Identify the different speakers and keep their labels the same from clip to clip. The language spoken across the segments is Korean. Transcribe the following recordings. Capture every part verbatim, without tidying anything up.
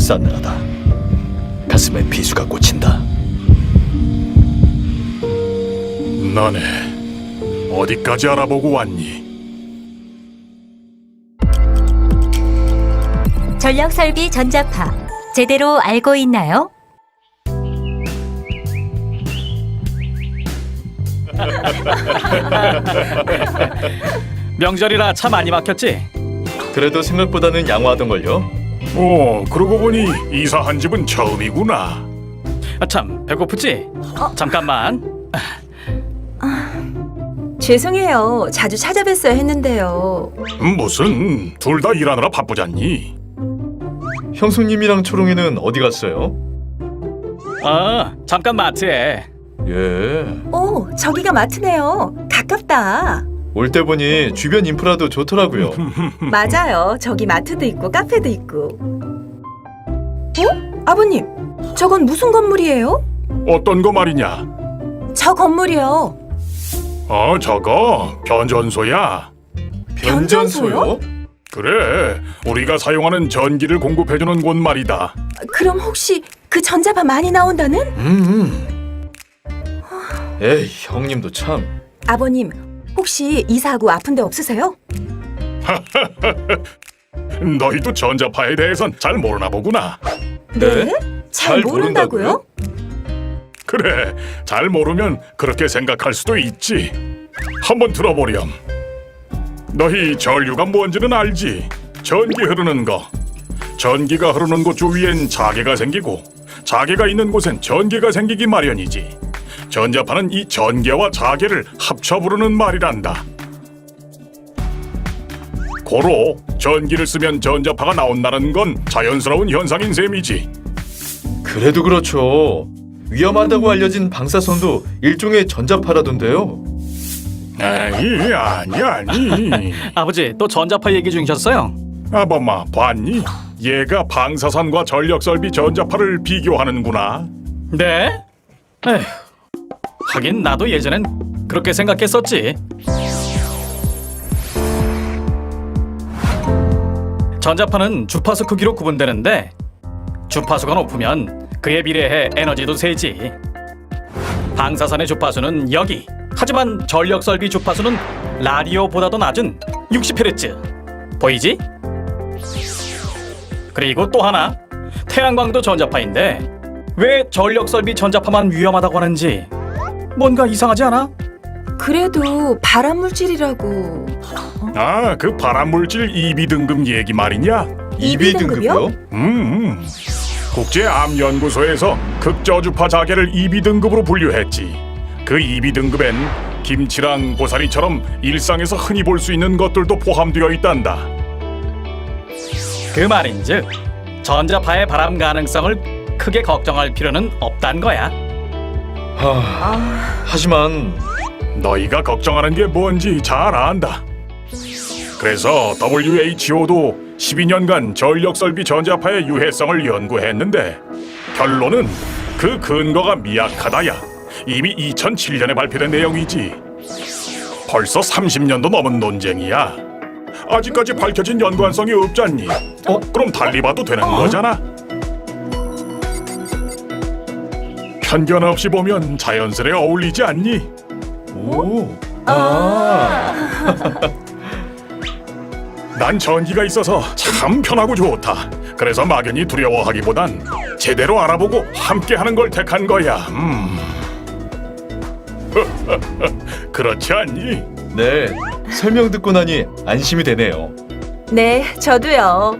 Speaker 1: 싸늘하다. 가슴에 비수가 꽂힌다.
Speaker 2: 너네 어디까지 알아보고 왔니?
Speaker 3: 전력설비 전자파 제대로 알고 있나요?
Speaker 4: 명절이라 차 많이 막혔지?
Speaker 1: 그래도 생각보다는 양호하던걸요?
Speaker 2: 오, 그러고 보니 이사한 집은 처음이구나.
Speaker 4: 아, 참 배고프지? 잠깐만.
Speaker 5: 죄송해요. 자주 찾아뵀어야 했는데요.
Speaker 2: 무슨 둘 다 일하느라 바쁘잖니?
Speaker 1: 형수님이랑 초롱이는 어디 갔어요?
Speaker 4: 아, 잠깐 마트에.
Speaker 1: 예.
Speaker 5: 오, 저기가 마트네요. 가깝다.
Speaker 1: 올 때 보니 주변 인프라도 좋더라고요.
Speaker 5: 맞아요. 저기 마트도 있고 카페도 있고. 어? 아버님, 저건 무슨 건물이에요?
Speaker 2: 어떤 거 말이냐?
Speaker 5: 저 건물이요.
Speaker 2: 어, 저거 변전소야.
Speaker 5: 변전소요?
Speaker 2: 그래, 우리가 사용하는 전기를 공급해주는 곳 말이다.
Speaker 5: 그럼 혹시 그 전자파 많이 나온다는?
Speaker 1: 음. 에이, 형님도 참.
Speaker 5: 아버님, 혹시 이사하고 아픈 데 없으세요?
Speaker 2: 너희도 전자파에 대해선 잘 모르나 보구나.
Speaker 1: 네?
Speaker 5: 잘 모른다고요?
Speaker 2: 그래, 잘 모르면 그렇게 생각할 수도 있지. 한번 들어보렴. 너희 전류가 뭔지는 알지? 전기 흐르는 거. 전기가 흐르는 곳 주위엔 자개가 생기고 자개가 있는 곳엔 전기가 생기기 마련이지. 전자파는 이 전개와 자개를 합쳐 부르는 말이란다. 고로 전기를 쓰면 전자파가 나온다는 건 자연스러운 현상인 셈이지.
Speaker 1: 그래도 그렇죠. 위험하다고 알려진 방사선도 일종의 전자파라던데요.
Speaker 2: 에이, 아니 아니.
Speaker 4: 아버지 또 전자파 얘기 중이셨어요?
Speaker 2: 아범마 봤니? 얘가 방사선과 전력설비 전자파를 비교하는구나.
Speaker 4: 네? 에휴, 하긴 나도 예전엔 그렇게 생각했었지. 전자파는 주파수 크기로 구분되는데 주파수가 높으면 그에 비례해 에너지도 세지. 방사선의 주파수는 여기. 하지만 전력설비 주파수는 라디오보다도 낮은 육십 헤르츠. 보이지? 그리고 또 하나. 태양광도 전자파인데 왜 전력설비 전자파만 위험하다고 하는지 뭔가 이상하지 않아?
Speaker 5: 그래도 발암물질이라고.
Speaker 2: 아, 그 발암물질 이 비 등급 얘기 말이냐?
Speaker 5: 이 비 등급이요?
Speaker 2: 음, 음. 국제암연구소에서 극저주파 자개를 이 비 등급으로 분류했지. 그 이 비 등급엔 김치랑 고사리처럼 일상에서 흔히 볼 수 있는 것들도 포함되어 있단다.
Speaker 4: 그 말인즉 전자파의 발암 가능성을 크게 걱정할 필요는 없단 거야.
Speaker 1: 하... 하지만
Speaker 2: 너희가 걱정하는 게 뭔지 잘 안다. 그래서 더블유 에이치 오도 십이 년간 전력설비 전자파의 유해성을 연구했는데 결론은 그 근거가 미약하다야. 이미 이천칠 년에 발표된 내용이지. 벌써 삼십 년도 넘은 논쟁이야. 아직까지 밝혀진 연관성이 없잖니. 어? 그럼 달리 봐도 되는 거잖아. 편견 없이 보면 자연스레 어울리지 않니?
Speaker 1: 오. 아.
Speaker 2: 난 전기가 있어서 참 편하고 좋다. 그래서 막연히 두려워하기보단 제대로 알아보고 함께하는 걸 택한 거야. 음. 그렇지 않니?
Speaker 1: 네. 설명 듣고 나니 안심이 되네요.
Speaker 5: 네, 저도요.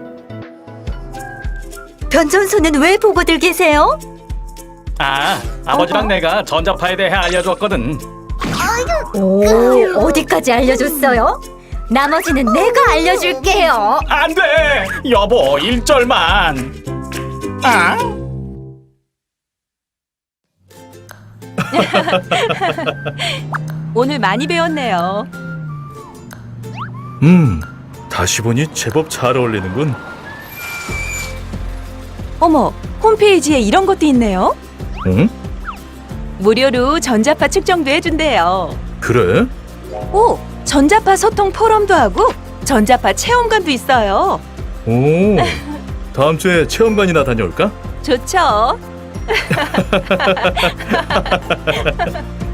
Speaker 3: 변전소는 왜 보고들 계세요?
Speaker 4: 아, 아버지랑 내가 전자파에 대해 알려줬거든.
Speaker 3: 오, 어디까지 알려줬어요? 나머지는 내가 알려줄게요.
Speaker 4: 안 돼! 여보, 일 절만. 아?
Speaker 5: 오늘 많이 배웠네요.
Speaker 1: 음. 다시 보니 제법 잘 어울리는군.
Speaker 5: 어머, 홈페이지에 이런 것도 있네요.
Speaker 1: 응?
Speaker 5: 무료로 전자파 측정도 해준대요.
Speaker 1: 그래?
Speaker 5: 오, 전자파 소통 포럼도 하고 전자파 체험관도 있어요.
Speaker 1: 오. 다음 주에 체험관이나 다녀올까?
Speaker 5: 좋죠.